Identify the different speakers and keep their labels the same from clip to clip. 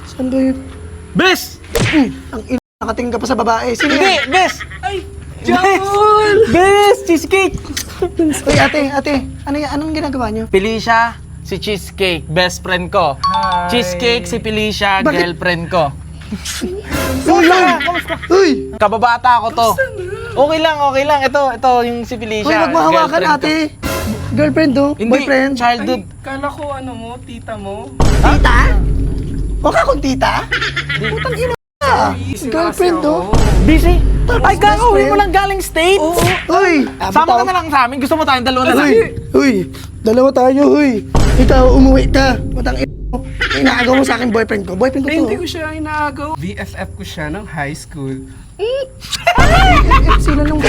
Speaker 1: Saan ba yun?
Speaker 2: Bes!
Speaker 1: Ang nakatingin ka pa sa babae. Sino
Speaker 2: Hindi,
Speaker 1: yan?
Speaker 2: Bes!
Speaker 3: Ay! Jabol!
Speaker 2: Bes! Cheesecake!
Speaker 1: Uy, ate. Ano yan? Anong ginagawa nyo?
Speaker 2: Felicia, si Cheesecake, best friend ko.
Speaker 3: Hi.
Speaker 2: Cheesecake, si Felicia,
Speaker 1: Bakit?
Speaker 2: girlfriend ko.
Speaker 1: Kamusta? Uy!
Speaker 2: Kababata ko to. Okay lang. Ito yung si Felicia.
Speaker 1: Uy, wag mo hawakan,
Speaker 2: girlfriend ko.
Speaker 1: ate. Girlfriend, do?
Speaker 2: Hindi,
Speaker 1: Boyfriend?
Speaker 2: childhood.
Speaker 3: Ay, kala ko ano mo, tita mo.
Speaker 1: Tita? Huwag ka kung tita? Putang ina ka. Girlfriend, do?
Speaker 2: Busy? Ay,
Speaker 1: best
Speaker 2: kakauwi mo
Speaker 1: friend.
Speaker 2: lang galing States?
Speaker 1: Uy!
Speaker 2: Sama ka na lang sa amin. Gusto mo tayong dalawa na lang?
Speaker 1: Uy! Dalawa tayo, uy! Ikaw, umuwi ka. Putang ina mo. Inaagaw mo sa akin boyfriend ko. Boyfriend ko
Speaker 3: Ay,
Speaker 1: to.
Speaker 3: hindi ko siya inaagaw. BFF ko siya ng high school.
Speaker 1: Sino nung...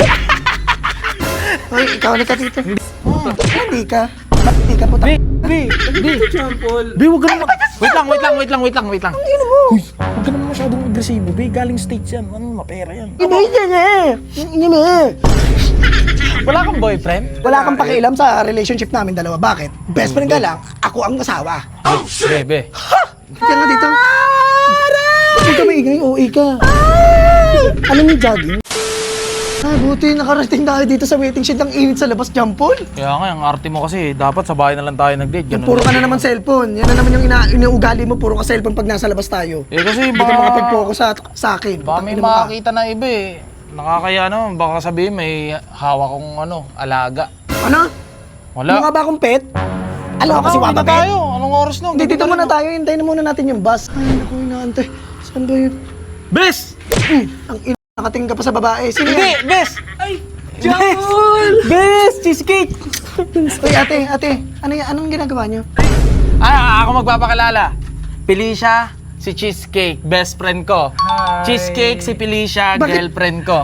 Speaker 1: Uy, ikaw ulit ka dito. Hindi ka. Ba't hindi ka putang...
Speaker 2: Bi!
Speaker 3: Ito, Jampol.
Speaker 2: Bi, huwag ka naman. Wait lang.
Speaker 1: Ano mo?
Speaker 2: Huwag ka naman masyadong agresibo, Bi. Galing States yan. Ano, mapera yan.
Speaker 1: Iba yan eh! Yan eh!
Speaker 2: Wala kang boyfriend?
Speaker 1: Wala kang pakialam sa relationship namin dalawa. Bakit? Best friend ka lang, ako ang asawa.
Speaker 2: Bebe.
Speaker 1: Kaya nga dito. Huwag ka maingay, OA ka. Ano yung jogging? Buti nakarating tayo dito sa waiting shed. Ang init sa labas, Jampol.
Speaker 2: Kaya nga, ang arte mo kasi, dapat sa bahay na lang tayo nag-date.
Speaker 1: Yung
Speaker 2: Ganun
Speaker 1: puro ka
Speaker 2: lang.
Speaker 1: na naman cellphone. Yan na naman yung inuugali mo. Puro ka cellphone pag nasa labas tayo.
Speaker 2: Eh kasi
Speaker 1: Hindi ka makapag-focus sa akin.
Speaker 2: Baka may
Speaker 1: Tangina mo ka.
Speaker 2: makakita na iba eh. Nakakaya naman, baka sabihin may hawak kong alaga.
Speaker 1: Ano?
Speaker 2: Wala.
Speaker 1: Mga ba akong pet? Alam mo kasi
Speaker 2: Uwi na
Speaker 1: wapa pet?
Speaker 2: tayo. Anong oras na?
Speaker 1: Hindi, dito
Speaker 2: Ganda
Speaker 1: muna
Speaker 2: rin,
Speaker 1: tayo. Hintayin na muna natin yung bus. Ay, naku, inaantay. Saan ba yun?
Speaker 2: Bes!
Speaker 1: Ang nakatingin ka pa sa babae. Sino
Speaker 2: Hindi,
Speaker 1: yan?
Speaker 2: Bes!
Speaker 3: Ay! Jabol!
Speaker 2: Bes! Cheesecake!
Speaker 1: Uy, ate. Ano yan? Anong ginagawa nyo?
Speaker 2: Ako magpapakilala. Felicia, si Cheesecake, best friend ko.
Speaker 3: Hi.
Speaker 2: Cheesecake, si Felicia,
Speaker 1: Bakit?
Speaker 2: girlfriend ko.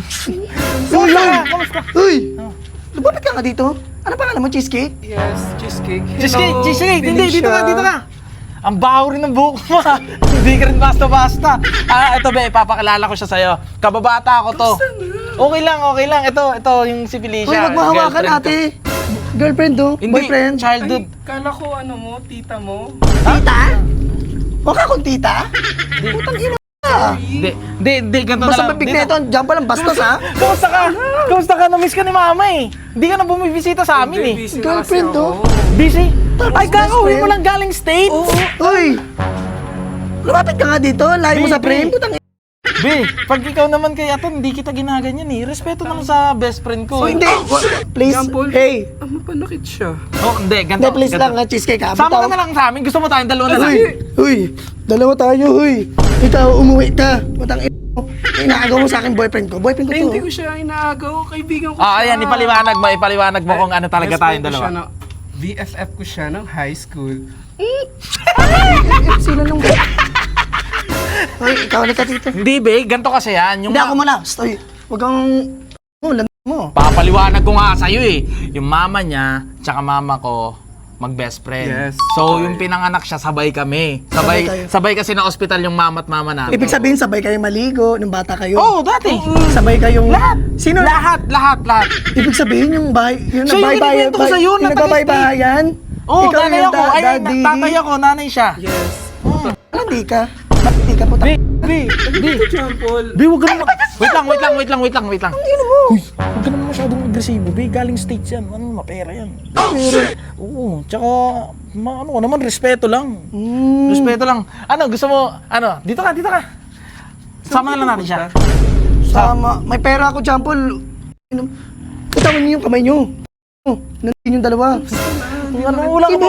Speaker 1: Kamusta? Uy! Lumapit ka nga dito. Ano pangalan mo, Cheesecake?
Speaker 3: Yes, cheesecake.
Speaker 2: Cheesecake! Hindi, dito
Speaker 3: Felicia.
Speaker 2: ka. Ang baho rin ng buhok mo. Hindi ka rin basta-basta. Ito be, ipapakilala ko siya sa'yo. Kababata ko to. Okay lang. Ito yung si Felicia.
Speaker 1: Uy, wag mo hawakan,
Speaker 2: girlfriend ko.
Speaker 1: ate. Girlfriend, do?
Speaker 2: Hindi,
Speaker 1: Boyfriend?
Speaker 2: childhood.
Speaker 3: Ay, kala ko ano mo, tita mo.
Speaker 1: Tita? Huwag ka kung tita? Putang ina ka.
Speaker 2: Hindi, ganito na
Speaker 1: Basta
Speaker 2: lang.
Speaker 1: mabig na ito. Diyan pa lang bastos, ha?
Speaker 2: Kamusta ka? Na-miss ka ni mama eh. Hindi ka na bumibisita sa amin eh.
Speaker 3: Busy na kasi
Speaker 1: Girlfriend,
Speaker 3: ako.
Speaker 1: oh.
Speaker 2: Busy? Ay,
Speaker 1: best
Speaker 2: kakauwi mo
Speaker 1: friend.
Speaker 2: lang galing States?
Speaker 1: Uy! Lumapit ka nga dito. Layo mo sa
Speaker 2: Baby.
Speaker 1: frame. Putang ina.
Speaker 2: Be, pag ikaw naman kay Aton, hindi kita ginaganyan eh. Respeto naman sa best friend ko.
Speaker 1: Hindi. Please.
Speaker 3: Jampol.
Speaker 1: Hey.
Speaker 3: Mapanakit siya.
Speaker 2: Oh, hindi, ganito.
Speaker 1: Hindi, please lang, ha, Cheesecake, ha?
Speaker 2: Sama ka na lang sa amin. Gusto mo tayong dalawa na lang.
Speaker 1: Uy, dalawa tayo, uy. Ikaw, umuwi ka. Putang ina mo. Inaagaw mo sa akin boyfriend ko. Boyfriend ko
Speaker 3: Ay,
Speaker 1: to.
Speaker 3: hindi ko siya inaagaw. Kaibigan ko siya.
Speaker 2: Ayan, ipaliwanag mo kung ano talaga
Speaker 3: Best
Speaker 2: tayong
Speaker 3: friend ko
Speaker 2: dalawa.
Speaker 3: siya na- BFF ko siya ng high school.
Speaker 1: Sino nung... Uy, ikaw ulit ka dito.
Speaker 2: Hindi, be. Ganito kasi yan. Yung
Speaker 1: Hindi ako muna. Uy, huwag kang... mo.
Speaker 2: Papaliwanag ko nga sa'yo eh. Yung mama niya, tsaka mama ko, mag-best friend.
Speaker 3: Yes.
Speaker 2: So, yung pinanganak siya, sabay kami.
Speaker 1: Sabay kayo.
Speaker 2: Sabay kasi na ospital yung mama at mama namin.
Speaker 1: Ibig sabihin, sabay kayo maligo nung bata kayo.
Speaker 2: Oo, dati.
Speaker 1: Sabay kayong...
Speaker 2: Lahat.
Speaker 1: Sino?
Speaker 2: Lahat.
Speaker 1: Ibig sabihin yung bahay... Yung
Speaker 2: Siya yung
Speaker 1: nagbahay-bahayan-
Speaker 2: kinikwento ko sa'yo,
Speaker 1: Yung
Speaker 2: na
Speaker 1: nagbahay-bahayan?
Speaker 2: Oo,
Speaker 1: Ikaw
Speaker 2: nanay
Speaker 1: yung
Speaker 2: ako. Ay,
Speaker 1: daddy.
Speaker 2: tatay ako, nanay siya.
Speaker 3: Yes.
Speaker 1: Hindi ka. Ba't hindi ka puta?
Speaker 2: Be.
Speaker 3: Ito, Jampol.
Speaker 2: Be, huwag ka naman. Wait lang.
Speaker 1: Ano mo?
Speaker 2: Huwag ka naman masyadong agresibo, be. Galing States yan. Ano, mapera yan. Oo, tsaka, ano ko naman, respeto lang. Respeto lang. Ano, gusto mo, dito ka. Sama na lang natin siya.
Speaker 1: Sama. May pera ako, Jampol. Putawan niyo yung kamay niyo. Nandun yung dalawa.
Speaker 2: Wala kang,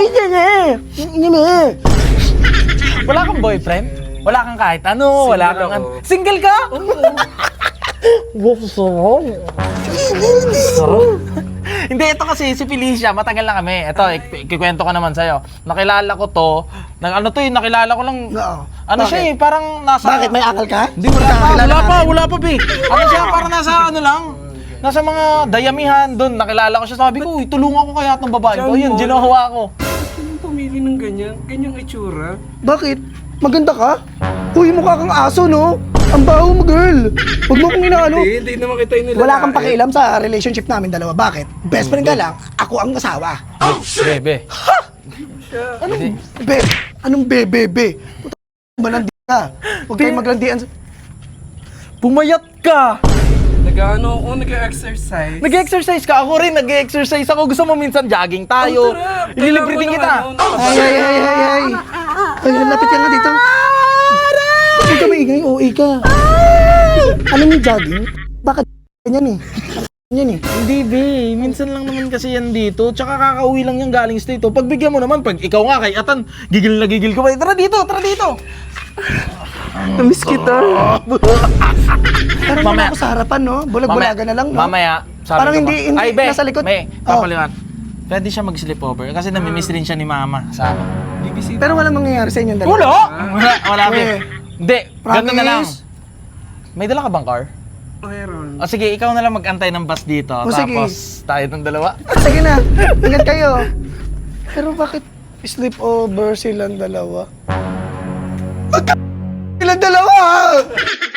Speaker 2: wala kang boyfriend? Wala kang kahit ano, wala kang
Speaker 3: ako.
Speaker 2: Single ka? Hindi, ito kasi si Felicia, matagal na kami. Ito, ikikwento ko naman sa'yo. Nakilala ko to, nakilala ko lang,
Speaker 1: Oo.
Speaker 2: ano siya eh, parang nasa...
Speaker 1: Bakit? May akal ka?
Speaker 2: Hindi, wala pa, be. Ano siya, parang nasa ano lang, nasa mga dayamihan doon, nakilala ko siya. Sabi ko, uy, tulungan ko kaya itong babae ko. Yun, ginawa ko.
Speaker 3: Anong pumili ng ganyan? Ganyang itsura?
Speaker 1: Bakit? Maganda ka? Uy, mukha kang aso, no? Ang baho mo, girl. Huwag mo kong inaano.
Speaker 3: Hindi naman kita yung nilalait.
Speaker 1: Wala kang pakialam sa relationship namin dalawa. Bakit? Best friend ka lang, ako ang asawa.
Speaker 2: Bebe.
Speaker 1: Anong be? Anong be? Puta, malandi ka. Huwag kayo maglandian.
Speaker 2: Pumayat ka!
Speaker 3: Nag-exercise.
Speaker 2: Nag-exercise ka, ako rin nag-exercise ako. Gusto mo minsan jogging tayo.
Speaker 3: Tara,
Speaker 2: Ililibre din kita.
Speaker 1: Ay. Ay, lapit ka nga dito. Huwag ka maingay, OA ka. Alam mo yung jogging? Bakit ganyan eh? Ganyan eh.
Speaker 2: Hindi, be. Minsan lang naman kasi yan dito. Tsaka kakauwi lang yung galing state. Pagbigyan mo naman, pag ikaw nga kay Atan, gigil na gigil ko ba? Tara dito, tara dito.
Speaker 3: Namiss kita.
Speaker 1: Parang wala ako sa harapan, no? Bulag-bulaga na lang, no?
Speaker 2: Mamaya, sabi
Speaker 1: Parang
Speaker 2: ko
Speaker 1: hindi
Speaker 2: Ay, be,
Speaker 1: nasa likod.
Speaker 2: Be,
Speaker 1: Oh.
Speaker 2: papaliwan. Pwede siya mag-sleepover kasi namimiss rin siya ni mama sa akin.
Speaker 3: Bibisita.
Speaker 1: Pero walang mangyayari sa inyong dalawa.
Speaker 2: Wala, be.
Speaker 1: Eh,
Speaker 2: Hindi, ganito na lang.
Speaker 1: promise?
Speaker 2: May dala ka bang car?
Speaker 3: Meron.
Speaker 2: O sige, ikaw na lang mag-antay ng bus dito.
Speaker 1: O, sige.
Speaker 2: Tapos tayo ng dalawa.
Speaker 1: Sige na, ingat kayo. Pero bakit sleepover silang dalawa? Silang dalawa!